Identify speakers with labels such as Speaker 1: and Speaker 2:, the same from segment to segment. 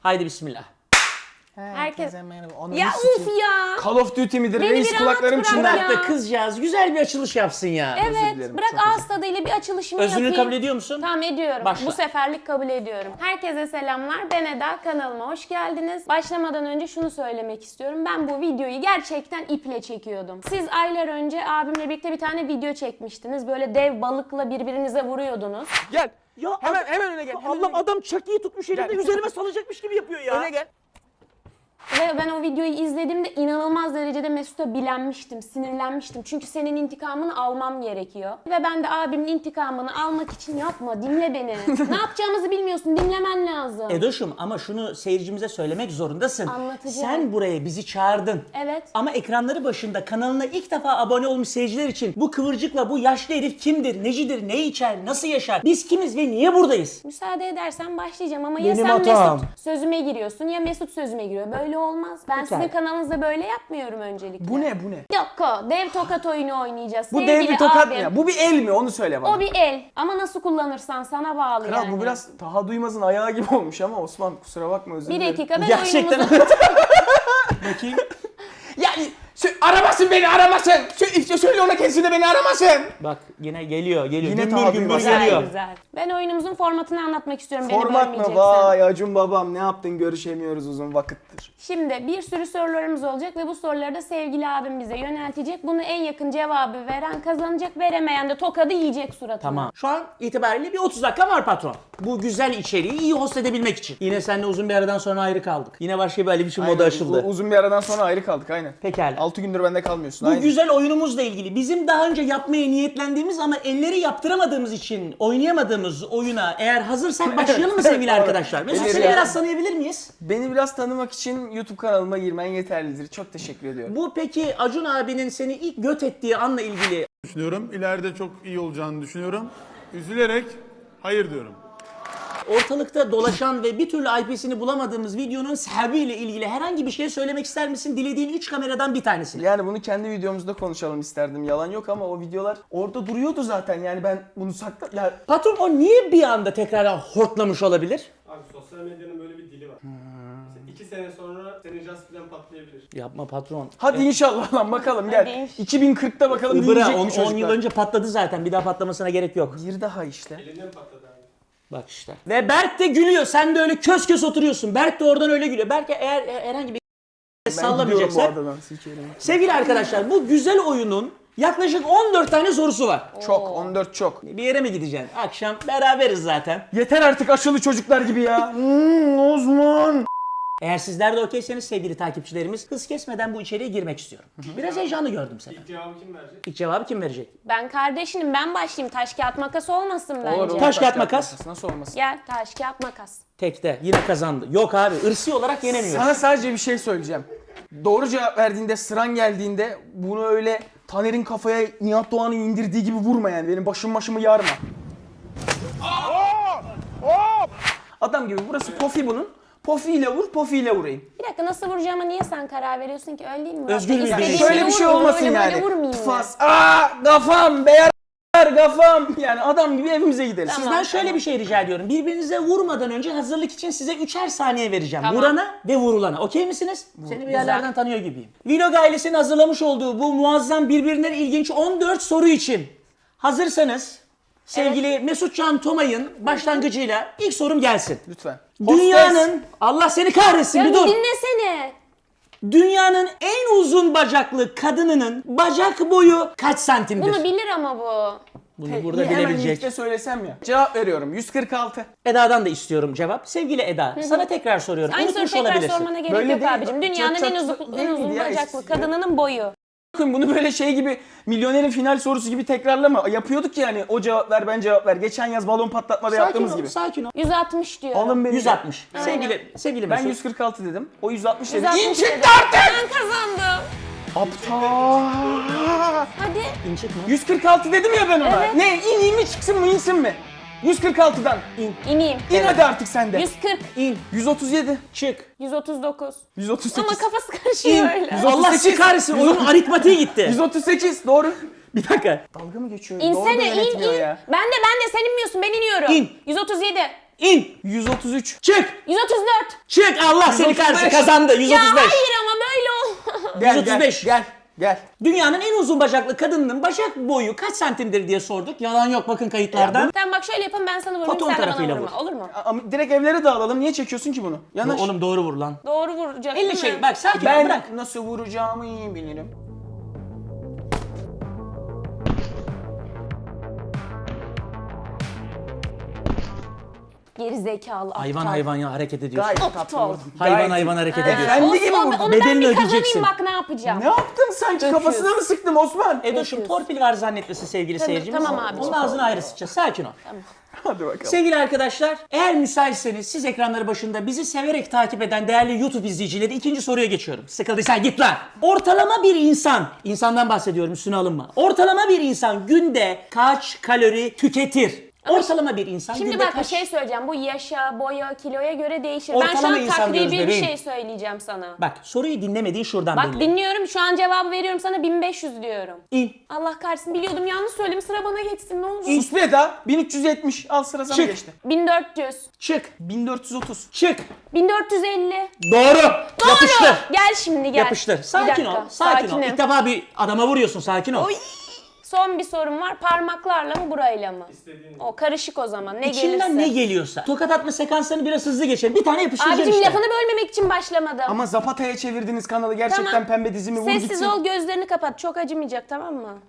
Speaker 1: Haydi bismillah.
Speaker 2: Herkese merhaba. Ananı
Speaker 3: Ya
Speaker 2: sikeyim.
Speaker 3: uf ya.
Speaker 2: Call of Duty midir?
Speaker 3: Beni
Speaker 2: Reis
Speaker 3: bir
Speaker 2: kulaklarım
Speaker 3: rahat bırak
Speaker 2: çınlar.
Speaker 3: ya.
Speaker 1: Bırak da kızcağız güzel bir açılış yapsın ya.
Speaker 3: Evet,
Speaker 2: dilerim,
Speaker 3: bırak
Speaker 2: çok
Speaker 3: ağız tadıyla bir açılışımı
Speaker 1: Özrünü
Speaker 3: yapayım.
Speaker 1: kabul ediyor musun?
Speaker 3: Tamam ediyorum.
Speaker 1: Başla.
Speaker 3: Bu seferlik kabul ediyorum. Herkese selamlar. Ben Eda. Kanalıma hoş geldiniz. Başlamadan önce şunu söylemek istiyorum. Ben bu videoyu gerçekten iple çekiyordum. Siz aylar önce abimle birlikte bir tane video çekmiştiniz. Böyle dev balıkla birbirinize vuruyordunuz.
Speaker 2: Gel.
Speaker 1: Ya
Speaker 2: Hemen öne gel.
Speaker 1: Allah adam çakıyı tutmuş elinde
Speaker 2: Gel.
Speaker 1: üzerime salacakmış gibi yapıyor ya.
Speaker 2: Öne gel.
Speaker 3: Ve ben o videoyu izlediğimde inanılmaz derecede Mesut'a bilenmiştim, sinirlenmiştim. Çünkü senin intikamını almam gerekiyor. Ve ben de abimin intikamını almak için yapma, dinle beni. Ne yapacağımızı bilmiyorsun, dinlemen lazım.
Speaker 1: Edoş'um ama şunu seyircimize söylemek zorundasın.
Speaker 3: Anlatacağım.
Speaker 1: Sen buraya bizi çağırdın.
Speaker 3: Evet.
Speaker 1: Ama ekranları başında kanalına ilk defa abone olmuş seyirciler için bu kıvırcıkla bu yaşlı herif kimdir, necidir, ne içer, nasıl yaşar, biz kimiz ve niye buradayız?
Speaker 3: Müsaade edersen başlayacağım ama ya
Speaker 1: Benim
Speaker 3: sen
Speaker 1: hatam.
Speaker 3: Mesut sözüme giriyorsun ya Mesut sözüme giriyor. Böyle olmaz. Ben
Speaker 1: Pekala.
Speaker 3: sizin kanalınızda böyle yapmıyorum öncelikle.
Speaker 2: Bu ne?
Speaker 3: Yok o dev tokat oyunu oynayacağız.
Speaker 2: Bu
Speaker 3: Sevgili
Speaker 2: dev bir tokat
Speaker 3: abim,
Speaker 2: mı ya? Bu bir el mi? Onu söyle bana.
Speaker 3: O bir el ama nasıl kullanırsan sana bağlı
Speaker 2: Kral
Speaker 3: yani.
Speaker 2: bu biraz Taha Duymaz'ın ayağı gibi olmuş ama Osman kusura bakma özür
Speaker 3: Bir
Speaker 2: dilerim.
Speaker 3: dakika ben
Speaker 1: Gerçekten
Speaker 3: oyunumuzu...
Speaker 1: bakayım.
Speaker 2: Yani aramasın beni aramasın. Söyle ona kendisine beni aramasın.
Speaker 1: Bak yine geliyor.
Speaker 2: Yine
Speaker 1: Gümbür
Speaker 2: tabi
Speaker 1: gümbür
Speaker 2: var.
Speaker 3: Güzel
Speaker 1: geliyor.
Speaker 3: güzel. Ben oyunumuzun formatını anlatmak istiyorum beni
Speaker 2: Format mı?
Speaker 3: bölmeyeceksen.
Speaker 2: Vay Acun babam ne yaptın görüşemiyoruz uzun vakittir.
Speaker 3: Şimdi bir sürü sorularımız olacak ve bu soruları da sevgili abim bize yöneltecek. Bunu en yakın cevabı veren kazanacak, veremeyen de tokadı yiyecek suratına.
Speaker 1: Tamam. Şu an itibariyle bir 30 dakika var patron. Bu güzel içeriği iyi host edebilmek için. Yine seninle uzun bir aradan sonra ayrı kaldık. Yine başka bir Ali biçim moda açıldı.
Speaker 2: Uzun bir aradan sonra ayrı kaldık aynen.
Speaker 1: Pekala.
Speaker 2: 6 gündür bende kalmıyorsun.
Speaker 1: Bu
Speaker 2: aynen.
Speaker 1: güzel oyunumuzla ilgili bizim daha önce yapmaya niyetlendiğimiz ama elleri yaptıramadığımız için oynayamadığımız oyuna eğer hazırsak başlayalım mı sevgili
Speaker 2: Evet,
Speaker 1: arkadaşlar? Mesut
Speaker 2: elleri
Speaker 1: seni
Speaker 2: yap-
Speaker 1: biraz tanıyabilir miyiz?
Speaker 2: Beni biraz tanımak için YouTube kanalıma girmen yeterlidir. Çok teşekkür ediyorum.
Speaker 1: Bu peki Acun abinin seni ilk göt ettiği anla ilgili
Speaker 4: Düşünüyorum. İleride çok iyi olacağını düşünüyorum. Üzülerek hayır diyorum.
Speaker 1: ortalıkta dolaşan ve bir türlü IP'sini bulamadığımız videonun sahibiyle ilgili herhangi bir şey söylemek ister misin? Dilediğin 3 kameradan bir tanesini.
Speaker 2: Yani bunu kendi videomuzda konuşalım isterdim. Yalan yok ama o videolar orada duruyordu zaten. Yani ben bunu Ya
Speaker 1: Patron o niye bir anda tekrardan hortlamış olabilir?
Speaker 5: Abi sosyal medyanın böyle bir dili var. Mesela 2 sene sonra senin Jaspil'den patlayabilir.
Speaker 1: Yapma patron.
Speaker 2: hadi inşallah lan bakalım gel.
Speaker 3: Hadi.
Speaker 2: 2040'ta bakalım
Speaker 1: Ibıra
Speaker 2: diyecek mi
Speaker 1: 10 yıl
Speaker 2: çocuklar?
Speaker 1: önce patladı zaten. Bir daha patlamasına gerek yok.
Speaker 2: Bir daha işte.
Speaker 5: Elinden patladı abi.
Speaker 1: Bak işte. Ve Berk de gülüyor. Sen de öyle kös kös oturuyorsun. Berk de oradan öyle gülüyor. Berk eğer herhangi bir
Speaker 2: Ben gidiyorum bu
Speaker 1: sallamayacaksa.
Speaker 2: adadan sikerim.
Speaker 1: Sevgili arkadaşlar bu güzel oyunun yaklaşık 14 tane sorusu var.
Speaker 2: Çok 14 çok.
Speaker 1: Bir yere mi gideceksin? Akşam beraberiz zaten.
Speaker 2: Yeter artık aşılı çocuklar gibi ya. Osman.
Speaker 1: Eğer sizler de okeyseniz sevgili takipçilerimiz hız kesmeden bu içeriye girmek istiyorum. Biraz heyecanlı gördüm seni.
Speaker 5: İlk cevabı kim verecek?
Speaker 1: İlk cevabı kim verecek?
Speaker 3: Ben kardeşinim, ben başlayayım. Taş kağıt makas olmasın bence.
Speaker 2: Olur, olur.
Speaker 1: Taş kağıt makas.
Speaker 2: Nasıl olmasın?
Speaker 3: Gel taş kağıt makas.
Speaker 1: Tekte yine kazandı. Yok abi ırsi olarak yenemiyor.
Speaker 2: Sana sadece bir şey söyleyeceğim. Doğru cevap verdiğinde, sıran geldiğinde bunu öyle Taner'in kafaya Nihat Doğan'ı indirdiği gibi vurma yani. Benim başımı yarma. Adam gibi burası pofi bunun. Pofiyle vur, pofiyle vurayım.
Speaker 3: Bir dakika nasıl vuracağıma niye sen karar veriyorsun ki? Öyle değil mi?
Speaker 1: Özgür bir
Speaker 3: İstediğim
Speaker 1: birey.
Speaker 3: gibi
Speaker 2: Şöyle bir şey
Speaker 3: vurmayayım,
Speaker 2: olmasın
Speaker 3: öyle
Speaker 2: yani.
Speaker 3: Böyle vurmayayım mı?
Speaker 2: Fas. Kafam, beyaz kafam. Yani adam gibi evimize gidelim.
Speaker 3: Tamam.
Speaker 1: Sizden şöyle bir şey rica ediyorum. Birbirinize vurmadan önce hazırlık için size 3'er saniye vereceğim.
Speaker 3: Tamam.
Speaker 1: Vurana ve vurulana. Okey misiniz? Seni bir yerlerden tanıyor gibiyim. Vlog ailesinin hazırlamış olduğu bu muazzam birbirinden ilginç 14 soru için hazırsanız sevgili Mesut Can Tomay'ın başlangıcıyla ilk sorum gelsin.
Speaker 2: Lütfen.
Speaker 1: Dünyanın Allah seni kahretsin
Speaker 3: Ya
Speaker 1: bir
Speaker 3: bir
Speaker 1: dur.
Speaker 3: dinlesene.
Speaker 1: Dünyanın en uzun bacaklı kadınının bacak boyu kaç santimdir?
Speaker 3: Bunu bilir ama bu.
Speaker 1: Bunu burada
Speaker 2: Hemen
Speaker 1: bilebilecek.
Speaker 2: ilkte söylesem ya. Cevap veriyorum. 146.
Speaker 1: Eda'dan da istiyorum cevap. Sevgili Eda, sana tekrar soruyorum.
Speaker 3: Aynı soru
Speaker 1: Unutmuş
Speaker 3: tekrar
Speaker 1: olabilirsin.
Speaker 3: sormana gerek
Speaker 2: Böyle
Speaker 3: yok
Speaker 2: değil.
Speaker 3: abicim. Dünyanın
Speaker 2: Çok-
Speaker 3: en uzun,
Speaker 2: çok-
Speaker 3: en
Speaker 2: değil
Speaker 3: uzun
Speaker 2: miydi ya?
Speaker 3: bacaklı
Speaker 2: Eskisi.
Speaker 3: kadınının boyu.
Speaker 2: Bakın bunu böyle şey gibi milyonerin final sorusu gibi tekrarlama. Yapıyorduk yani o cevap ver ben cevap ver. Geçen yaz balon patlatmada
Speaker 1: Sakin
Speaker 2: yaptığımız
Speaker 1: ol,
Speaker 2: gibi.
Speaker 1: sakin ol.
Speaker 3: 160 diyorum.
Speaker 2: Alın beni.
Speaker 1: 160. Sevgili
Speaker 2: Ben
Speaker 1: Mesut.
Speaker 2: 146 dedim. O 160 dedi.
Speaker 3: 160
Speaker 2: İn
Speaker 3: dedim.
Speaker 2: çıktı artık!
Speaker 3: Ben kazandım.
Speaker 2: Aptal.
Speaker 3: Hadi.
Speaker 1: İn çıkma.
Speaker 2: 146 dedim ya ben ona.
Speaker 3: Evet.
Speaker 2: Ne ineyim mi çıksın mı insin mi? 146'dan.
Speaker 3: İneyim.
Speaker 2: İn hadi artık sen de.
Speaker 3: 140.
Speaker 1: İn.
Speaker 2: 137.
Speaker 1: Çık.
Speaker 3: 139.
Speaker 2: 138.
Speaker 3: Ama kafası karışıyor öyle.
Speaker 2: 138.
Speaker 1: Allah sizi kahretsin. Oyunun aritmatiği gitti.
Speaker 2: 138 doğru.
Speaker 1: Bir dakika.
Speaker 2: Dalga mı geçiyor? Doğru da
Speaker 3: İnsene in
Speaker 2: yönetmiyor
Speaker 3: in.
Speaker 2: ya.
Speaker 3: Ben de sen inmiyorsun ben iniyorum.
Speaker 1: İn.
Speaker 3: 137.
Speaker 1: İn.
Speaker 2: 133.
Speaker 1: Çık.
Speaker 3: 134.
Speaker 1: Çık. Allah seni
Speaker 2: 135.
Speaker 1: kahretsin, kazandı. 135.
Speaker 3: Ya hayır ama böyle olmaz.
Speaker 2: Gel
Speaker 1: 135.
Speaker 2: Gel.
Speaker 1: Dünyanın en uzun bacaklı kadınının bacak boyu kaç santimdir diye sorduk. Yalan yok, bakın kayıtlardan.
Speaker 3: Tamam bak şöyle yapın, ben sana vurayım,
Speaker 1: Foton
Speaker 3: sen de bana
Speaker 1: tarafıyla
Speaker 3: vurma.
Speaker 1: vur.
Speaker 3: Olur mu?
Speaker 2: Ama direkt evlere dağılalım. Niye çekiyorsun ki bunu? Yanaş.
Speaker 1: Oğlum doğru vur lan.
Speaker 3: Doğru vuracak
Speaker 1: Elle
Speaker 3: değil
Speaker 1: şey
Speaker 3: mi?
Speaker 1: bak, sakin ol,
Speaker 2: Ben
Speaker 1: bırak.
Speaker 2: nasıl vuracağımı iyi bilirim.
Speaker 3: Geri zekalı aptal.
Speaker 1: Hayvan hayvan ya hareket ediyorsun.
Speaker 2: Gayet
Speaker 3: Aptal.
Speaker 2: tatlı vurdun.
Speaker 1: Hayvan
Speaker 2: Gayet
Speaker 1: hayvan
Speaker 2: iyi.
Speaker 1: hareket
Speaker 3: Ha.
Speaker 1: ediyorsun.
Speaker 2: Efendi gibi
Speaker 3: Osman,
Speaker 2: vurdun.
Speaker 3: onu ben
Speaker 1: Bedelini
Speaker 3: bir kazanayım,
Speaker 1: ödeyeceksin.
Speaker 3: bak ne yapacağım.
Speaker 2: Ne yaptın sanki?
Speaker 3: Öpüyorsun.
Speaker 2: Kafasına mı sıktım Osman?
Speaker 1: Edoş'um torpil var zannetmesin sevgili seyircimiz.
Speaker 3: tamam abi.
Speaker 1: Onun ağzını ayrı sıçacağız. Sakin ol.
Speaker 2: Hadi bakalım.
Speaker 1: Sevgili arkadaşlar, eğer müsaitseniz siz ekranları başında bizi severek takip eden değerli YouTube izleyicileri, ikinci soruya geçiyorum. Sıkıldıysan git lan. Ortalama bir insandan bahsediyorum, üstüne alınma. Ortalama bir insan günde kaç kalori tüketir? Ortalama bir insan
Speaker 3: Şimdi
Speaker 1: günde
Speaker 3: bak bir
Speaker 1: kaç...
Speaker 3: şey söyleyeceğim. Bu yaşa, boya, kiloya göre değişir.
Speaker 1: Ortalama
Speaker 3: ben şu an
Speaker 1: insan diyoruz
Speaker 3: takribi bir
Speaker 1: bebeğim.
Speaker 3: şey söyleyeceğim sana.
Speaker 1: Bak soruyu dinlemediğin şuradan
Speaker 3: Bak
Speaker 1: belli.
Speaker 3: dinliyorum, şu an cevabı veriyorum sana, 1500 diyorum.
Speaker 1: İn.
Speaker 3: Allah kahretsin, biliyordum, yanlış söyledim, sıra bana geçsin ne olur.
Speaker 2: Sus be Eda. 1370. Al sıra sana
Speaker 1: Çık.
Speaker 2: geçti.
Speaker 3: 1400.
Speaker 1: Çık.
Speaker 2: 1430.
Speaker 1: Çık.
Speaker 3: 1450.
Speaker 1: Doğru. Yapıştır.
Speaker 3: Gel şimdi gel.
Speaker 1: Yapıştır.
Speaker 3: Bir
Speaker 1: Sakin
Speaker 3: dakika,
Speaker 1: ol. Sakin ol.
Speaker 3: sakinim.
Speaker 1: İlk defa bir adama vuruyorsun. Sakin ol.
Speaker 3: Oy. Son bir sorum var. Parmaklarla mı burayla mı?
Speaker 5: İstediğin.
Speaker 3: O karışık o zaman. Ne
Speaker 1: İçinden
Speaker 3: gelirse.
Speaker 1: ne geliyorsa. Tokat atma sekanslarını biraz hızlı geçelim. Bir tane yapıştıracaksın
Speaker 3: Abicim
Speaker 1: işte.
Speaker 3: lafını bölmemek için başlamadım.
Speaker 2: Ama Zapata'ya çevirdiniz kanalı. Gerçekten
Speaker 3: Tamam.
Speaker 2: pembe dizimi vur
Speaker 3: Sessiz
Speaker 2: gitsin.
Speaker 3: ol, gözlerini kapat. Çok acımayacak, tamam mı?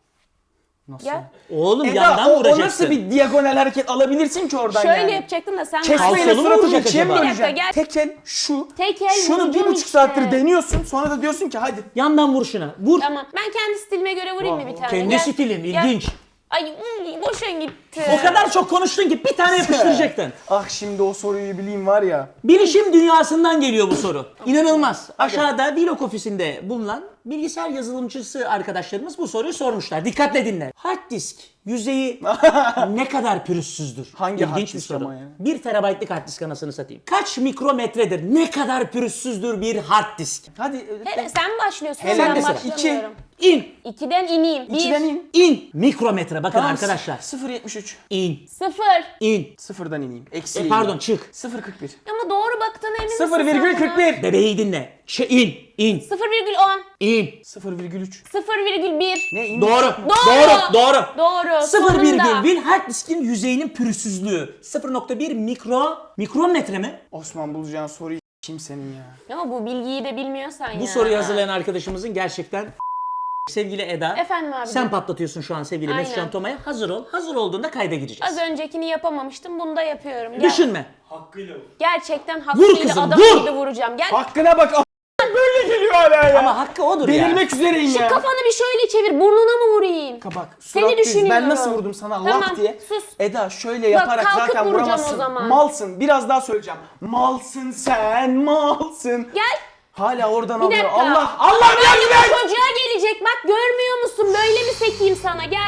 Speaker 2: Nasıl?
Speaker 3: Gel.
Speaker 1: Oğlum
Speaker 2: Eda
Speaker 1: yandan
Speaker 2: o
Speaker 1: vuracaksın.
Speaker 2: nasıl bir diagonal hareket alabilirsin ki oradan
Speaker 3: Şöyle
Speaker 2: yani?
Speaker 3: yapacaktın da sen
Speaker 2: Kesmeyle
Speaker 1: Kalçalı mı
Speaker 2: suratını
Speaker 1: vuracak
Speaker 2: ikiye mi
Speaker 1: acaba?
Speaker 2: böleceksin?
Speaker 3: Bir dakika, gel.
Speaker 2: Tek el şu.
Speaker 3: Tek el
Speaker 2: Şunu
Speaker 3: vuracağım
Speaker 2: 1,5
Speaker 3: işte.
Speaker 2: saattir deniyorsun. Sonra da diyorsun ki hadi.
Speaker 1: Yandan vur şuna. Vur.
Speaker 3: Tamam. Ben kendi stilime göre vurayım mı bir tane?
Speaker 1: Kendi
Speaker 3: Gel.
Speaker 1: stilim.
Speaker 3: Gel.
Speaker 1: İlginç.
Speaker 3: Ay boşa gitti.
Speaker 1: O kadar çok konuştun ki bir tane yapıştıracaktın.
Speaker 2: Ah şimdi o soruyu bileyim var ya.
Speaker 1: Bilişim dünyasından geliyor bu soru. İnanılmaz. Aşağıda Vlog ofisinde bulunan bilgisayar yazılımcısı arkadaşlarımız bu soruyu sormuşlar. Dikkatle dinle. Hard disk yüzeyi ne kadar pürüzsüzdür?
Speaker 2: Hangi hard
Speaker 1: İlginç bir
Speaker 2: disk
Speaker 1: soru.
Speaker 2: ama ya?
Speaker 1: 1 terabaytlık hard disk anasını satayım. Kaç mikrometredir? Ne kadar pürüzsüzdür bir hard disk?
Speaker 2: Hadi.
Speaker 3: Sen başlıyorsun.
Speaker 2: Hele
Speaker 3: ben
Speaker 1: de sıra.
Speaker 3: başlamıyorum.
Speaker 1: İn.
Speaker 3: 2'den ineyim.
Speaker 2: 2'den in.
Speaker 1: İn. Mikrometre. Bakın
Speaker 2: Tamam,
Speaker 1: arkadaşlar.
Speaker 2: 0,73.
Speaker 1: İn.
Speaker 3: 0.
Speaker 1: İn.
Speaker 2: Sıfırdan ineyim. Eksi
Speaker 1: Pardon çık.
Speaker 2: 0,41.
Speaker 3: Ama doğru baktığına emin misin?
Speaker 2: 0,41.
Speaker 1: Bebeği dinle. İn. İn.
Speaker 3: 0,10.
Speaker 1: İn.
Speaker 2: 0,3.
Speaker 3: 0,1.
Speaker 2: Ne in?
Speaker 1: Doğru.
Speaker 3: Doğru.
Speaker 1: Doğru.
Speaker 3: Doğru.
Speaker 1: 0,1
Speaker 3: sonunda.
Speaker 1: hard diskin yüzeyinin pürüzsüzlüğü. 0,1 mikrometre mi?
Speaker 2: Osman bulacağın soruyu kimsenin ya.
Speaker 3: Ama bu bilgiyi de bilmiyorsan ya.
Speaker 1: Bu soruyu hazırlayan arkadaşımızın gerçekten sevgili Eda.
Speaker 3: Efendim abicim.
Speaker 1: Sen patlatıyorsun şu an sevgili
Speaker 3: Aynen.
Speaker 1: Mesut Can Toma'ya. Hazır ol. Hazır olduğunda kayda gireceğiz.
Speaker 3: Az öncekini yapamamıştım. Bunu da yapıyorum. Gel.
Speaker 1: Düşünme.
Speaker 5: Hakkıyla vur.
Speaker 3: Gerçekten hakkıyla
Speaker 1: kızım,
Speaker 3: adam
Speaker 1: vur.
Speaker 3: gibi vuracağım. Gel.
Speaker 2: Hakkına bak. Böyle geliyor hala ya.
Speaker 1: Ama hakkı odur ya.
Speaker 2: Delirmek üzereyim
Speaker 3: Şu
Speaker 2: ya.
Speaker 3: kafanı bir şöyle çevir. Burnuna mı vurayım?
Speaker 2: Bak
Speaker 3: Seni
Speaker 2: surat düz.
Speaker 3: düşünüyorum.
Speaker 2: Ben nasıl vurdum sana
Speaker 3: Tamam,
Speaker 2: laf diye.
Speaker 3: sus.
Speaker 2: Eda şöyle yaparak
Speaker 3: kalkıp
Speaker 2: zaten
Speaker 3: vuracağım
Speaker 2: vuramazsın.
Speaker 3: o zaman.
Speaker 2: Malsın. Biraz daha söyleyeceğim. Malsın sen malsın.
Speaker 3: Gel.
Speaker 2: Hala oradan
Speaker 3: Bir
Speaker 2: alıyor.
Speaker 3: dakika.
Speaker 2: Allah
Speaker 3: Böyle
Speaker 2: yardım
Speaker 3: bir
Speaker 2: et.
Speaker 3: çocuğa gelecek. Bak görmüyor musun? Böyle mi sekeyim sana? Gel.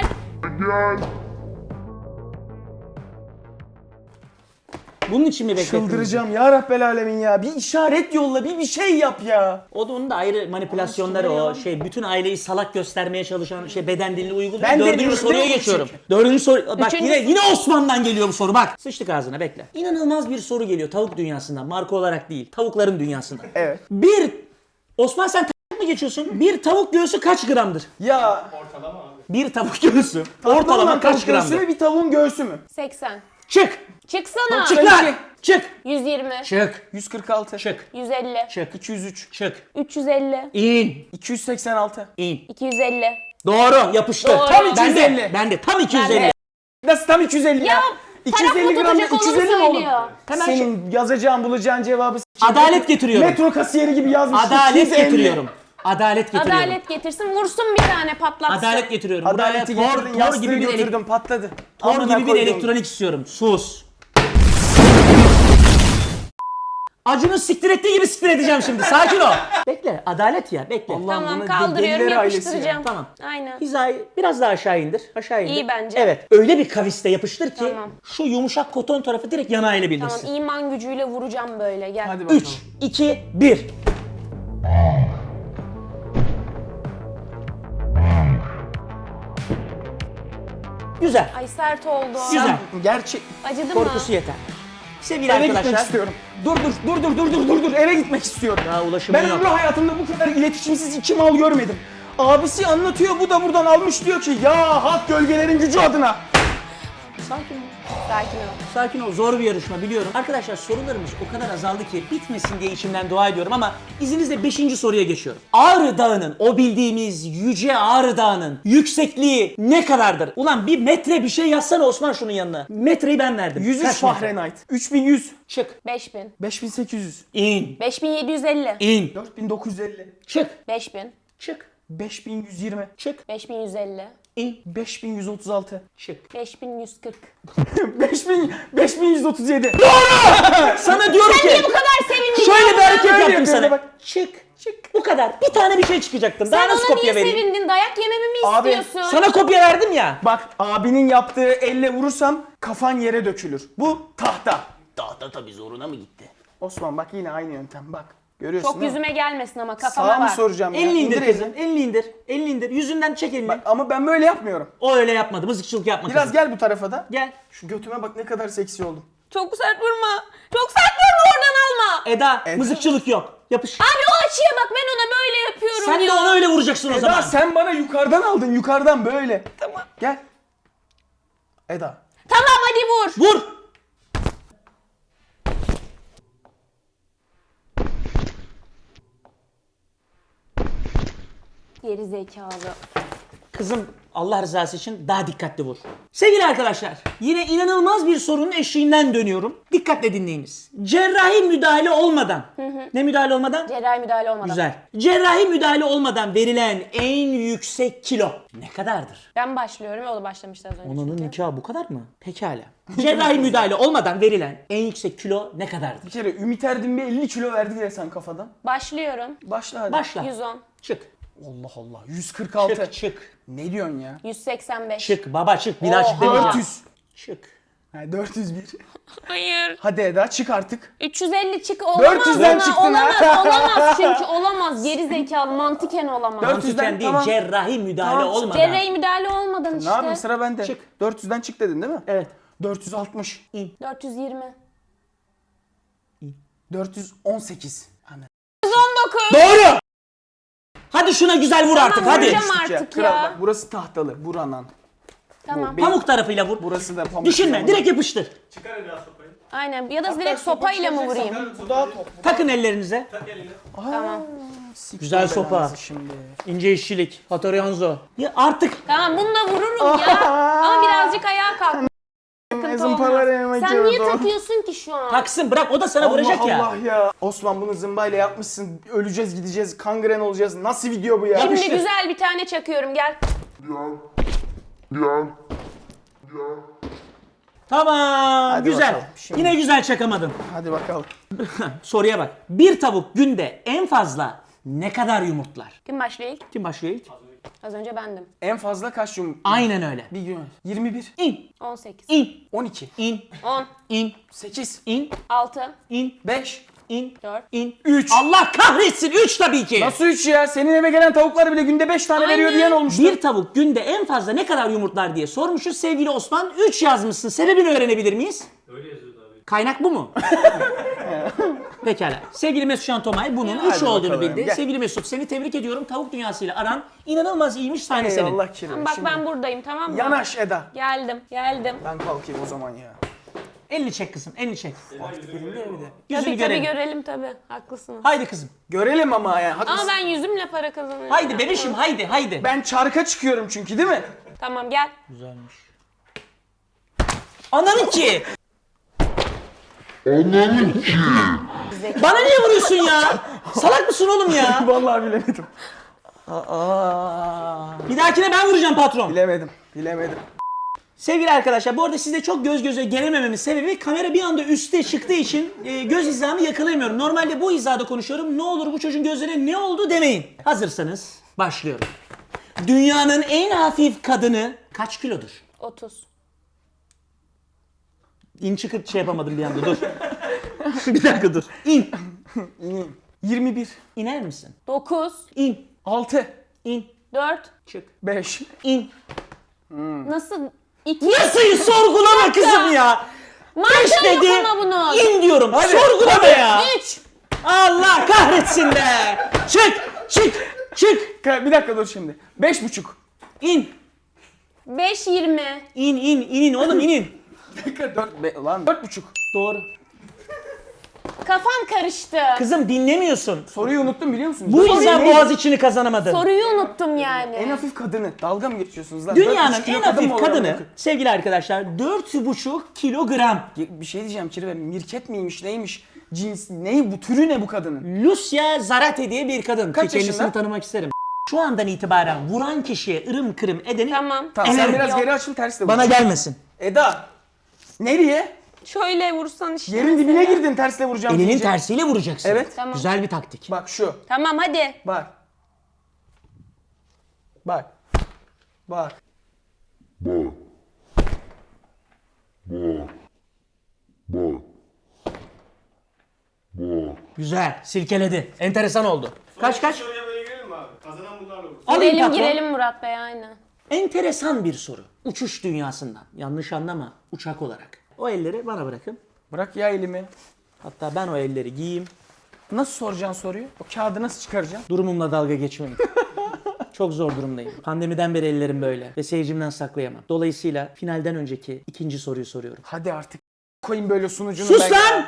Speaker 1: Bunun için mi beklettin?
Speaker 2: Çıldıracağım ya Rabbel Alemin ya. Bir işaret yolla, bir şey yap ya.
Speaker 1: O da onun da ayrı manipülasyonları
Speaker 2: Aman
Speaker 1: o.
Speaker 2: ya.
Speaker 1: Şey bütün aileyi salak göstermeye çalışan beden dilini uyguluyor.
Speaker 2: Ben de
Speaker 1: Dördüncü
Speaker 2: diyorum,
Speaker 1: soruya
Speaker 2: değil mi
Speaker 1: geçiyorum.
Speaker 2: çünkü?
Speaker 1: Dördüncü soru. Bak
Speaker 3: Üçüncü-
Speaker 1: yine Osman'dan geliyor bu soru bak. Sıçtık ağzına bekle. İnanılmaz bir soru geliyor tavuk dünyasından. Marka olarak değil. Tavukların dünyasından.
Speaker 2: Evet.
Speaker 1: Osman sen mı geçiyorsun? Bir tavuk göğsü kaç gramdır?
Speaker 2: Ya
Speaker 5: Ortalama abi.
Speaker 1: Bir tavuk göğsü ortalama
Speaker 2: ortalama
Speaker 1: kaç
Speaker 2: kaç göğsü
Speaker 1: gramdır?
Speaker 2: mü bir tavuğun göğsü mü?
Speaker 3: 80.
Speaker 1: Çık!
Speaker 3: Çıksana.
Speaker 1: Çık lan! Çık!
Speaker 3: 120.
Speaker 1: Çık!
Speaker 2: 146.
Speaker 1: Çık!
Speaker 3: 150.
Speaker 1: Çık!
Speaker 2: 203.
Speaker 1: Çık!
Speaker 3: 350.
Speaker 1: İn!
Speaker 2: 286.
Speaker 1: İn!
Speaker 3: 250.
Speaker 1: Doğru yapıştır.
Speaker 3: Doğru.
Speaker 2: Tam
Speaker 1: Ben
Speaker 2: 250.
Speaker 1: de, ben de tam 250.
Speaker 3: Ben de.
Speaker 2: Nasıl tam 250 ya?
Speaker 3: Ya,
Speaker 2: 250
Speaker 3: taraf
Speaker 2: gram
Speaker 3: mı tutacak,
Speaker 2: 250
Speaker 3: onu
Speaker 2: mi oğlum?
Speaker 3: söylüyor.
Speaker 1: Hemen
Speaker 2: Senin yazacağın bulacağın cevabı
Speaker 1: Adalet getiriyorum.
Speaker 2: Metro kasiyeri gibi yazmış.
Speaker 1: Adalet
Speaker 2: 250.
Speaker 1: getiriyorum. Adalet getiriyorum.
Speaker 3: Adalet getirsin, vursun bir tane, patlatsın.
Speaker 1: Adalet getiriyorum. Buraya
Speaker 2: Adaleti getirdin,
Speaker 1: tor
Speaker 2: yastığı
Speaker 1: gibi bir
Speaker 2: götürdüm patladı.
Speaker 1: tor
Speaker 2: Amına
Speaker 1: gibi bir
Speaker 2: koydum.
Speaker 1: elektronik istiyorum. Sus. Acun'un siktir ettiği gibi siktir edeceğim şimdi. Sakin ol. Bekle. Adalet ya. Bekle.
Speaker 2: Allah-
Speaker 3: Tamam,
Speaker 2: Bunun
Speaker 3: kaldırıyorum,
Speaker 2: deliler ailesi
Speaker 3: yapıştıracağım.
Speaker 2: ya.
Speaker 1: Tamam.
Speaker 3: Aynen.
Speaker 1: Hizayı biraz daha aşağı indir. Aşağı indir.
Speaker 3: İyi bence.
Speaker 1: Evet. Öyle bir kaviste yapıştır ki
Speaker 3: Tamam.
Speaker 1: şu yumuşak koton tarafı direkt yanağıyla birleşsin.
Speaker 3: Tamam, iman gücüyle vuracağım böyle, gel.
Speaker 2: Hadi bakalım.
Speaker 1: 3, 2, 1. Güzel.
Speaker 3: Ay sert oldu.
Speaker 1: Güzel.
Speaker 2: Gerçek.
Speaker 3: Acıdı mı?
Speaker 1: Korkusu yeter. Sevgili
Speaker 2: Eve gitmek
Speaker 1: arkadaşlar.
Speaker 2: istiyorum. Dur. Eve gitmek istiyorum.
Speaker 1: Daha ulaşımın
Speaker 2: Ben
Speaker 1: yok.
Speaker 2: ömrü hayatımda bu kadar iletişimsiz iki mal görmedim. Abisi anlatıyor, bu da buradan almış diyor ki ya hak gölgelerin gücü adına.
Speaker 1: Sakin ol.
Speaker 3: Sakin ol.
Speaker 1: Sakin ol. Zor bir yarışma biliyorum. Arkadaşlar sorularımız o kadar azaldı ki bitmesin diye içimden dua ediyorum ama izninizle 5. soruya geçiyorum. Ağrı Dağı'nın, o bildiğimiz yüce Ağrı Dağı'nın yüksekliği ne kadardır? Ulan bir metre bir şey yazsana Osman şunun yanına. Metreyi ben verdim.
Speaker 2: 103
Speaker 1: Kaç metre?
Speaker 2: Fahrenheit. 3100.
Speaker 1: Çık.
Speaker 3: 5000.
Speaker 2: 5800.
Speaker 1: İn.
Speaker 3: 5750.
Speaker 1: İn.
Speaker 2: 4950.
Speaker 1: Çık.
Speaker 3: 5000.
Speaker 1: Çık.
Speaker 2: 5120.
Speaker 1: Çık.
Speaker 3: 5150.
Speaker 1: İn.
Speaker 2: 5136.
Speaker 1: Çık.
Speaker 3: 5140.
Speaker 2: 5137.
Speaker 1: Sana diyorum ki.
Speaker 3: Niye bu kadar sevindin?
Speaker 1: Şöyle bir hareket
Speaker 2: Öyle
Speaker 1: yaptım
Speaker 2: yapıyorum
Speaker 1: sana.
Speaker 2: bak.
Speaker 1: Çık. Çık. Bu kadar. Bir tane bir şey çıkacaktım. Daha
Speaker 3: Sen
Speaker 1: nasıl
Speaker 3: ona
Speaker 1: kopya
Speaker 3: niye
Speaker 1: vereyim?
Speaker 3: sevindin? Dayak yememi mi
Speaker 2: Abi,
Speaker 3: istiyorsun?
Speaker 1: Sana kopya verdim ya.
Speaker 2: Bak abinin yaptığı elle vurursam kafan yere dökülür. Bu tahta.
Speaker 1: Tahta tabii zoruna mı gitti?
Speaker 2: Osman bak yine aynı yöntem bak. Görüyorsun
Speaker 3: Çok
Speaker 2: değil mi?
Speaker 3: yüzüme gelmesin ama kafama
Speaker 2: Sağa mı
Speaker 3: bak.
Speaker 2: soracağım ya?
Speaker 1: Elini indir
Speaker 2: elini.
Speaker 1: kızım. Elini indir. Elini indir. Yüzünden çek elini.
Speaker 2: Bak, ama ben böyle yapmıyorum.
Speaker 1: O öyle yapmadı. Mızıkçılık yapma
Speaker 2: Biraz
Speaker 1: kızım.
Speaker 2: gel bu tarafa da.
Speaker 1: Gel.
Speaker 2: Şu götüme bak ne kadar seksi oldum.
Speaker 3: Çok sert vurma. Çok sert vurma, oradan alma.
Speaker 1: Eda, mızıkçılık yok. Yapış.
Speaker 3: Abi o açıya bak, ben ona böyle yapıyorum
Speaker 1: Sen
Speaker 3: ya.
Speaker 1: de onu öyle vuracaksın o zaman.
Speaker 2: Eda sen bana yukarıdan aldın, yukarıdan böyle. Tamam. Gel. Eda.
Speaker 3: Tamam hadi vur.
Speaker 1: Vur.
Speaker 3: Geri zekalı.
Speaker 1: Kızım Allah rızası için daha dikkatli vur. Sevgili arkadaşlar, yine inanılmaz bir sorunun eşiğinden dönüyorum. Dikkatle dinleyiniz. Cerrahi müdahale olmadan. Ne müdahale olmadan?
Speaker 3: Cerrahi müdahale olmadan.
Speaker 1: Güzel. Cerrahi müdahale olmadan verilen en yüksek kilo ne kadardır?
Speaker 3: Ben başlıyorum, o da başlamıştı az önce.
Speaker 1: Onunun
Speaker 3: çünkü.
Speaker 1: nikahı bu kadar mı? Pekala. Cerrahi müdahale olmadan verilen en yüksek kilo ne
Speaker 2: Bir
Speaker 1: kadardır?
Speaker 2: kere Ümit Erdin bir 50 kilo verdi diye sen kafadan.
Speaker 3: Başlıyorum.
Speaker 2: Başla hadi.
Speaker 1: Başla.
Speaker 3: 110.
Speaker 1: Çık.
Speaker 2: Allah Allah. 146.
Speaker 1: Çık çık.
Speaker 2: Ne diyorsun ya?
Speaker 3: 185.
Speaker 1: Çık baba çık. Bir daha çık demeyeceğim.
Speaker 2: 400.
Speaker 1: Çık.
Speaker 2: Ha, 401.
Speaker 3: Hayır.
Speaker 2: Hadi Eda çık artık.
Speaker 3: 350 çık, olamaz
Speaker 2: 400'den
Speaker 3: ona.
Speaker 2: çıktın ha.
Speaker 3: Olamaz çünkü olamaz. Geri zekalı, mantıken olamaz.
Speaker 2: 400'den
Speaker 1: Mantıken değil,
Speaker 2: tamam.
Speaker 1: cerrahi müdahale
Speaker 2: Tamam.
Speaker 1: olmadan.
Speaker 3: Cerrahi müdahale olmadan işte.
Speaker 2: Ne yapayım sıra bende.
Speaker 1: Çık.
Speaker 2: 400'den çık dedin değil mi?
Speaker 1: Evet.
Speaker 2: 460.
Speaker 3: 420.
Speaker 2: 418. Hani.
Speaker 3: 119.
Speaker 1: Doğru. Hadi şuna güzel vur artık hadi.
Speaker 3: vuracağım artık
Speaker 2: Kral
Speaker 3: ya.
Speaker 2: bak burası tahtalı. Buranan.
Speaker 3: Tamam.
Speaker 2: Benim-
Speaker 1: Pamuk tarafıyla vur.
Speaker 2: Burası da pamuk.
Speaker 1: Düşünme, direkt yapıştır.
Speaker 5: Çıkar Eda sopayı.
Speaker 3: Aynen. Ya da direkt sopayla mı vurayım?
Speaker 2: Bu daha top.
Speaker 1: Takın ellerinize.
Speaker 5: Tak elini.
Speaker 3: Tamam.
Speaker 1: Güzel sopa.
Speaker 2: Şimdi.
Speaker 1: İnce işçilik. Hattorianzo. Ya artık
Speaker 3: Tamam, bunu da vururum ya. Ama birazcık ayağa kalk. Sıkıntı
Speaker 2: zımparaları
Speaker 3: olmaz.
Speaker 2: yemek
Speaker 3: Sen niye
Speaker 2: yiyordu.
Speaker 3: takıyorsun ki şu an?
Speaker 1: taksın bırak o da sana vuracak
Speaker 2: Allah
Speaker 1: ya.
Speaker 2: Allah ya. Osman bunu zımbayla yapmışsın. Öleceğiz gideceğiz. Kangren olacağız. Nasıl video bu ya?
Speaker 3: Şimdi
Speaker 1: yapıştır.
Speaker 3: güzel bir tane çakıyorum, gel.
Speaker 1: Tamam
Speaker 2: Hadi
Speaker 1: güzel.
Speaker 2: bakalım, şimdi.
Speaker 1: Yine güzel çakamadın.
Speaker 2: Hadi bakalım.
Speaker 1: Soruya bak. Bir tavuk günde en fazla ne kadar yumurtlar?
Speaker 3: Kim başlıyor ilk?
Speaker 1: Kim başlıyor ilk?
Speaker 3: Az önce bendim.
Speaker 2: En fazla kaç yumurta?
Speaker 1: Aynen öyle.
Speaker 2: Bir gün. 21.
Speaker 1: İn.
Speaker 3: 18.
Speaker 1: İn.
Speaker 2: 12.
Speaker 1: İn.
Speaker 3: 10.
Speaker 1: İn.
Speaker 2: 8.
Speaker 1: İn.
Speaker 3: 6.
Speaker 1: İn.
Speaker 2: 5.
Speaker 1: İn.
Speaker 3: 4.
Speaker 1: İn.
Speaker 2: 3.
Speaker 1: Allah kahretsin 3 tabii ki.
Speaker 2: Nasıl 3 ya? Senin eve gelen tavuklar bile günde 5 tane veriyor
Speaker 3: Aynen.
Speaker 2: diyen olmuştu.
Speaker 1: Bir tavuk günde en fazla ne kadar yumurtlar diye sormuşuz. Sevgili Osman 3 yazmışsın. Sebebini öğrenebilir miyiz?
Speaker 5: Öyle yazıyordu abi.
Speaker 1: Kaynak bu mu? Pekala. Sevgili Mesut Can Tomay bunun 3
Speaker 2: Hadi
Speaker 1: olduğunu
Speaker 2: bakalım,
Speaker 1: bildi.
Speaker 2: gel.
Speaker 1: Sevgili Mesut seni tebrik ediyorum. Tavuk dünyasıyla aran inanılmaz iyiymiş, sahne senin.
Speaker 2: Eyvallah Kerim.
Speaker 3: Bak
Speaker 2: Şimdi
Speaker 3: ben buradayım, tamam mı?
Speaker 2: Yanaş Eda.
Speaker 3: Geldim.
Speaker 2: Ben kalkayım o zaman ya.
Speaker 1: Elini çek kızım, elini çek. Yüzünü
Speaker 3: Tabii
Speaker 1: görelim.
Speaker 3: görelim tabii. Haklısınız.
Speaker 1: Haydi kızım.
Speaker 2: Görelim ama ya.
Speaker 3: Ama
Speaker 2: Haklısın.
Speaker 3: ben yüzümle para kazanıyorum.
Speaker 1: Haydi bebişim, haydi.
Speaker 2: Ben çarka çıkıyorum çünkü değil mi?
Speaker 3: Tamam gel.
Speaker 1: Güzelmiş. Ananın ki. Bana niye vuruyorsun ya? Salak mısın oğlum ya?
Speaker 2: Vallahi bilemedim.
Speaker 1: Bir dahakine ben vuracağım patron.
Speaker 2: Bilemedim.
Speaker 1: Sevgili arkadaşlar bu arada sizle çok göz göze gelemememin sebebi kamera bir anda üste çıktığı için göz hizamı yakalayamıyorum. Normalde bu hizada konuşuyorum. Ne olur bu çocuğun gözlerine ne oldu demeyin. Hazırsanız başlıyorum. Dünyanın en hafif kadını kaç kilodur?
Speaker 3: 30.
Speaker 1: İn çıkırt şey yapamadım bir anda dur. Bir dakika dur. İn.
Speaker 2: 21.
Speaker 1: İner misin?
Speaker 3: 9.
Speaker 1: İn.
Speaker 2: 6.
Speaker 1: İn.
Speaker 3: 4.
Speaker 1: Çık.
Speaker 2: 5.
Speaker 1: İn.
Speaker 3: Nasıl? 2.
Speaker 1: Nasıl sorgulama kızım ya?
Speaker 3: Mantığı yok
Speaker 1: dedi.
Speaker 3: ama bunun.
Speaker 1: İn diyorum. Sorgulama ya.
Speaker 3: 3.
Speaker 1: Allah kahretsin be. Çık.
Speaker 2: Bir dakika dur şimdi. 5,5.
Speaker 1: İn.
Speaker 3: 5.20.
Speaker 1: İn oğlum inin.
Speaker 2: Bir dakika 4,5.
Speaker 1: Doğru.
Speaker 3: Kafam karıştı.
Speaker 1: Kızım dinlemiyorsun.
Speaker 2: Soruyu unuttum biliyor musunuz?
Speaker 1: Bu
Speaker 2: Soru
Speaker 1: yüzden
Speaker 2: neydi?
Speaker 1: Boğaziçi'ni kazanamadın.
Speaker 3: Soruyu unuttum yani.
Speaker 2: En hafif kadını. Dalga mı geçiyorsunuz lan?
Speaker 1: Dünyanın
Speaker 2: 4,5 kilo
Speaker 1: en
Speaker 2: kadın mı
Speaker 1: hafif
Speaker 2: olur
Speaker 1: kadını
Speaker 2: amına
Speaker 1: sevgili arkadaşlar 4,5 kilogram.
Speaker 2: koyayım? Bir şey diyeceğim Kirve. Mirket miymiş neymiş? Cins ne bu? Türü ne bu kadının?
Speaker 1: Lucia Zarate diye bir kadın.
Speaker 2: Kaç
Speaker 1: Ki kendisini
Speaker 2: yaşında?
Speaker 1: tanımak isterim. Şu andan itibaren vuran kişiye ırım kırım edeni
Speaker 3: Tamam.
Speaker 2: Tamam sen
Speaker 1: Evet.
Speaker 2: biraz
Speaker 3: Yok.
Speaker 2: geri açıl ters de vur.
Speaker 1: bana gelmesin.
Speaker 2: Eda. Nereye?
Speaker 3: Şöyle vursan işte.
Speaker 2: Yerin dibine girdin tersle vuracağım
Speaker 1: Elinin
Speaker 2: deyince.
Speaker 1: tersiyle vuracaksın.
Speaker 2: Evet.
Speaker 3: Tamam.
Speaker 1: Güzel bir taktik.
Speaker 2: Bak şu.
Speaker 3: Tamam hadi.
Speaker 2: Bak. Bak. Bak.
Speaker 1: Güzel. Silkeledi. Enteresan oldu. Kaç?
Speaker 5: Soruya böyle girelim mi abi? Kazanan bunlarla vursun.
Speaker 1: Alayım
Speaker 3: Girelim
Speaker 1: patron.
Speaker 3: girelim Murat Bey aynen.
Speaker 1: Enteresan bir soru. Uçuş dünyasından. Yanlış anlama. Uçak olarak. O elleri bana bırakın.
Speaker 2: Bırak ya elimi.
Speaker 1: Hatta ben o elleri giyeyim.
Speaker 2: Nasıl soracaksın soruyu? O kağıdı nasıl çıkaracaksın?
Speaker 1: Durumumla dalga geçmeyin. Çok zor durumdayım. Pandemiden beri ellerim böyle ve seyircimden saklayamam. Dolayısıyla finalden önceki ikinci soruyu soruyorum.
Speaker 2: Hadi artık koyayım böyle sunucunu.
Speaker 1: Sus lan!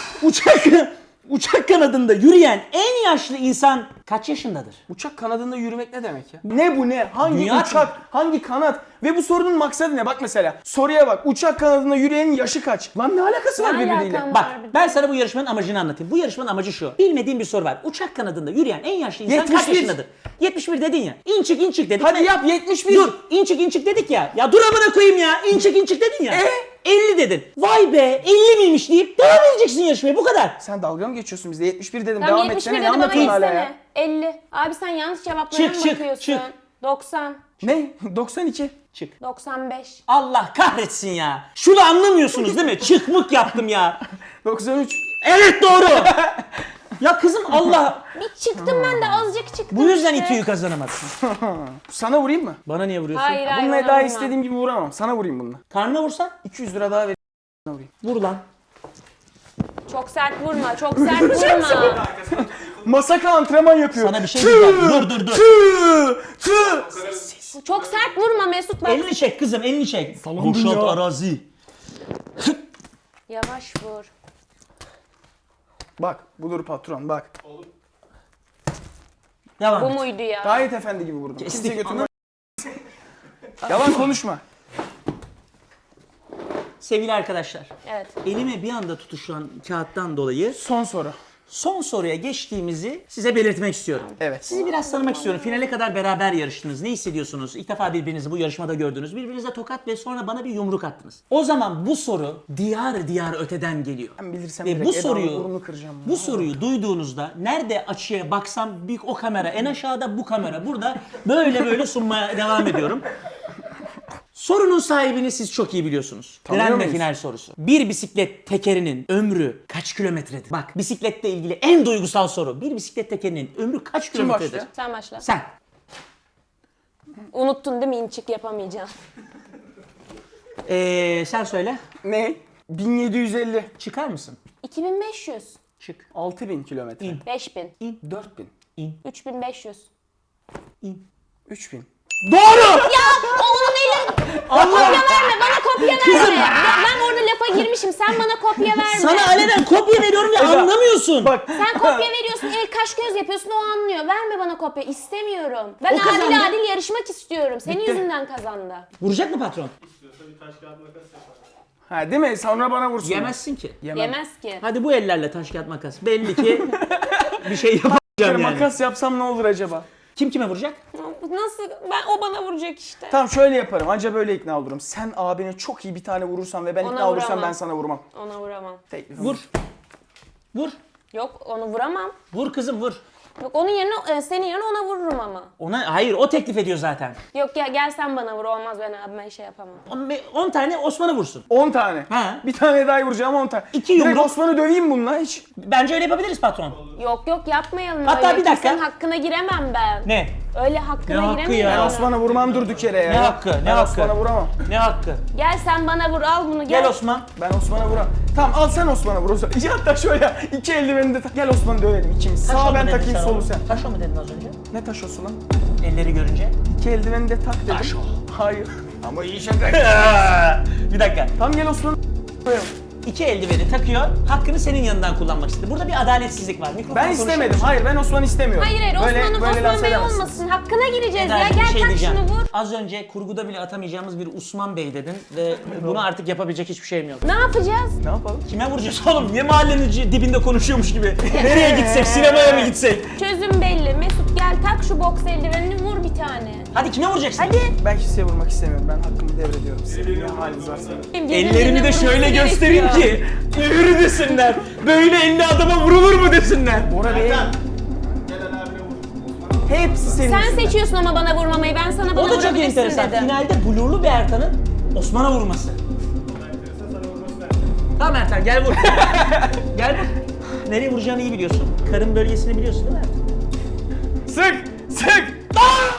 Speaker 1: Uçak kanadında yürüyen en yaşlı insan kaç yaşındadır?
Speaker 2: Uçak kanadında yürümek ne demek ya? Ne bu ne? Hangi
Speaker 1: Dünya
Speaker 2: uçak? Hangi kanat? Ve bu sorunun maksadı ne? Bak mesela soruya bak. Uçak kanadında yürüyenin yaşı kaç? Lan ne alakası var
Speaker 3: Ne
Speaker 2: birbiriyle?
Speaker 3: alakam
Speaker 1: Bak
Speaker 3: var bir de?
Speaker 1: ben sana bu yarışmanın amacını anlatayım. Bu yarışmanın amacı şu. Bilmediğim bir soru var. Uçak kanadında yürüyen en yaşlı insan kaç
Speaker 2: 71.
Speaker 1: yaşındadır? 71 dedin ya. İn çık dedik.
Speaker 2: Hadi yap 71.
Speaker 1: Dur in çık dedik ya. Ya dur amına koyayım ya. İn çık dedin ya. 50 dedin. Vay be 50 miymiş deyip devam edeceksin yarışmaya bu kadar.
Speaker 2: Sen dalga mı geçiyorsun bizde? 71 dedim.
Speaker 3: Tamam
Speaker 2: Devam
Speaker 3: 71
Speaker 2: etsene. Ne
Speaker 3: dedi bana
Speaker 2: anlatıyorsun hala ya?
Speaker 3: geçsene. 50. Abi sen yanlış cevaplara mı
Speaker 1: Çık,
Speaker 3: bakıyorsun?
Speaker 1: çık.
Speaker 3: 90.
Speaker 2: Ne? 92.
Speaker 1: Çık.
Speaker 3: 95.
Speaker 1: Allah kahretsin ya. Şunu anlamıyorsunuz değil mi? Çıkmık yaptım ya.
Speaker 2: 93.
Speaker 1: Evet doğru. Ya kızım Allah.
Speaker 3: Bir çıktım ben de azıcık çıktım
Speaker 1: Bu yüzden
Speaker 3: işte.
Speaker 1: İTÜ'yü kazanamadın.
Speaker 2: Sana vurayım mı?
Speaker 1: Bana niye vuruyorsun?
Speaker 3: Hayır hayır.
Speaker 2: Bununla
Speaker 3: ona
Speaker 2: daha
Speaker 3: vurma.
Speaker 2: istediğim gibi vuramam. Sana vurayım bununla.
Speaker 1: Karnına vursan
Speaker 2: 200 lira daha ver.
Speaker 1: vur lan.
Speaker 3: Çok sert vurma. Çok sert vurma.
Speaker 2: Masaka antrenman yapıyor.
Speaker 1: Sana bir şey diyeceğim. Dur.
Speaker 3: Çok sert vurma Mesut bak.
Speaker 1: Elini çek kızım elini çek.
Speaker 2: Sallandım
Speaker 1: Boşalt
Speaker 2: ya.
Speaker 1: arazi.
Speaker 3: Yavaş vur.
Speaker 2: Bak budur patron bak.
Speaker 1: Devam
Speaker 3: Bu
Speaker 1: et.
Speaker 3: muydu ya?
Speaker 2: Gayet efendi gibi vurdum.
Speaker 1: Kestik.
Speaker 2: Kimse götürme. Yalan konuşma.
Speaker 1: Sevgili arkadaşlar.
Speaker 3: Evet.
Speaker 1: Elime bir anda tutuşan kağıttan dolayı
Speaker 2: Son soru.
Speaker 1: son soruya geçtiğimizi size belirtmek istiyorum.
Speaker 2: Evet.
Speaker 1: Sizi biraz tanımak istiyorum. Finale kadar beraber yarıştınız. Ne hissediyorsunuz? İlk defa birbirinizi bu yarışmada gördünüz. Birbirinize tokat ve sonra bana bir yumruk attınız. O zaman bu soru diyar öteden geliyor.
Speaker 2: Ben bilirsem
Speaker 1: Ve
Speaker 2: direkt
Speaker 1: bu
Speaker 2: Eda'nın
Speaker 1: soruyu
Speaker 2: burnunu kıracağım.
Speaker 1: bu soruyu duyduğunuzda nerede açıya baksam bir o kamera, en aşağıda bu kamera. Burada böyle sunmaya devam ediyorum. Sorunun sahibini siz çok iyi biliyorsunuz.
Speaker 2: Tanıyor
Speaker 1: Direnme
Speaker 2: muyuz?
Speaker 1: final sorusu. Bir bisiklet tekerinin ömrü kaç kilometredir? Bak bisikletle ilgili en duygusal soru. Bir bisiklet tekerinin ömrü kaç kilometredir?
Speaker 2: başlıyor?
Speaker 3: Sen başla.
Speaker 1: Sen.
Speaker 3: Unuttun değil mi inçik yapamayacağım.
Speaker 1: Sen söyle.
Speaker 2: Ne? 1750.
Speaker 1: Çıkar mısın?
Speaker 3: 2500.
Speaker 1: Çık.
Speaker 2: 6000 kilometre.
Speaker 3: 5000.
Speaker 2: 4000.
Speaker 3: 3500.
Speaker 2: 3000.
Speaker 1: Doğru!
Speaker 3: Onun eli... Kopya verme bana kopya verme. Ben orada lafa girmişim sen bana kopya verme.
Speaker 1: Sana alenen kopya veriyorum ve anlamıyorsun.
Speaker 2: Bak
Speaker 3: Sen kopya veriyorsun, el kaş göz yapıyorsun, o anlıyor. Verme bana kopya, istemiyorum. Ben
Speaker 1: O kazandı.
Speaker 3: adil yarışmak istiyorum. Senin
Speaker 2: Bitti.
Speaker 3: yüzünden kazandı.
Speaker 1: Vuracak mı patron?
Speaker 5: İstiyorsa bir taş kağıt makas yapar.
Speaker 2: ha değil mi? Sonra bana vursun.
Speaker 1: Yemezsin ki.
Speaker 2: Yemem.
Speaker 3: Yemez ki.
Speaker 1: Hadi bu ellerle taş kağıt makas. Belli ki bir şey yapamayacağım yani.
Speaker 2: Makas yapsam ne olur acaba?
Speaker 1: Kim kime vuracak?
Speaker 3: Nasıl? O bana vuracak işte.
Speaker 2: Tamam şöyle yaparım. Anca böyle ikna olurum. Sen abine çok iyi bir tane vurursan ve ben
Speaker 3: Ona
Speaker 2: ikna olursam
Speaker 3: vuramam.
Speaker 2: ben sana vurmam.
Speaker 3: Ona vuramam.
Speaker 2: Teklifim.
Speaker 1: Vur. Vur.
Speaker 3: Yok onu vuramam.
Speaker 1: Vur kızım vur.
Speaker 3: Yok onun yerine, senin yerine ona vururum ama.
Speaker 1: Ona hayır o teklif ediyor zaten.
Speaker 3: Yok ya gel sen bana vur, olmaz ben abime şey yapamam.
Speaker 1: 10 tane Osman'ı vursun.
Speaker 2: 10 tane.
Speaker 1: Ha.
Speaker 2: Bir tane daha vuracağım 10 tane.
Speaker 1: İki
Speaker 2: Direkt
Speaker 1: yumruk.
Speaker 2: Osman'ı döveyim bununla hiç.
Speaker 1: Bence öyle yapabiliriz patron.
Speaker 3: Yok yapmayalım
Speaker 1: Hatta
Speaker 3: öyle.
Speaker 1: bir dakika.
Speaker 3: Kimsenin hakkına giremem ben.
Speaker 1: Ne?
Speaker 3: Öyle hakkına
Speaker 1: Ne hakkı
Speaker 3: giremeyiz.
Speaker 1: ya?
Speaker 2: Ben
Speaker 3: onu.
Speaker 2: Osman'a vurmam durduk yere ya.
Speaker 1: Ne hakkı, ne
Speaker 2: Ben
Speaker 1: hakkı?
Speaker 2: Osman'a vuramam.
Speaker 1: Ne hakkı?
Speaker 3: Gel sen bana vur, al bunu gel.
Speaker 1: Gel Osman.
Speaker 2: Ben Osman'a vuramam. Tamam al sen Osman'a vur o zaman. Hatta şöyle iki eldiveni de tak. Gel Osman'ı dövelim ikimiz.
Speaker 1: Taşo
Speaker 2: Sağ
Speaker 1: mu
Speaker 2: ben
Speaker 1: dedin
Speaker 2: takayım solu
Speaker 1: oğlum?
Speaker 2: sen.
Speaker 1: Taşo mu dedin az önce?
Speaker 2: Ne taşosu lan?
Speaker 1: Elleri görünce.
Speaker 2: İki eldiveni de tak dedim.
Speaker 1: Taşo.
Speaker 2: Hayır. Ama iyi şaka.
Speaker 1: Bir dakika.
Speaker 2: Tamam gel Osman'ı koyalım.
Speaker 1: İki eldiveni takıyor, hakkını senin yanından kullanmak istedi. Burada bir adaletsizlik var. Mikrofon
Speaker 2: Ben istemedim. Hayır ben Osman'ı istemiyorum.
Speaker 3: Hayır Osman Bey
Speaker 2: lanse
Speaker 3: olmasın. Hakkına gireceğiz ya.
Speaker 1: Eda'cığım,
Speaker 3: Gel
Speaker 1: bir şey
Speaker 3: tak
Speaker 1: diyeceğim.
Speaker 3: şunu vur.
Speaker 1: Az önce kurguda bile atamayacağımız bir Osman Bey dedin ve bunu artık yapabilecek hiçbir şeyim yok.
Speaker 3: Ne yapacağız?
Speaker 2: Ne yapalım?
Speaker 1: Kime vuracağız oğlum? Niye mahallenin dibinde konuşuyormuş gibi? Nereye gitsek? Sinemaya mı gitsek?
Speaker 3: Çözüm belli. Mesut gel tak şu boks eldivenini vur bir tane.
Speaker 1: Hadi kime vuracaksın?
Speaker 3: Hadi.
Speaker 2: Ben kimseye vurmak istemiyorum. Ben hakkımı devrediyorum size. Ne haliniz varsa.
Speaker 1: Ellerimi de şöyle göstereyim ki yürü desinler. Böyle elli adama vurulur mu desinler.
Speaker 2: Bora Bey.
Speaker 5: Gel Ali abine vur.
Speaker 2: Hepsi senin
Speaker 3: Sen
Speaker 2: yüzünden.
Speaker 3: seçiyorsun ama bana vurmamayı. Ben sana bana
Speaker 1: O da çok
Speaker 3: vurabilirsin
Speaker 1: enteresan.
Speaker 3: dedim.
Speaker 1: Finalde blurlu bir Ertan'ın Osman'a vurması.
Speaker 5: Sana vurması lazım.
Speaker 1: Tamam Ertan gel vur. Gel vur. Nereye vuracağını iyi biliyorsun. Karın bölgesini biliyorsun değil mi Ertan?
Speaker 2: Sık! Sık!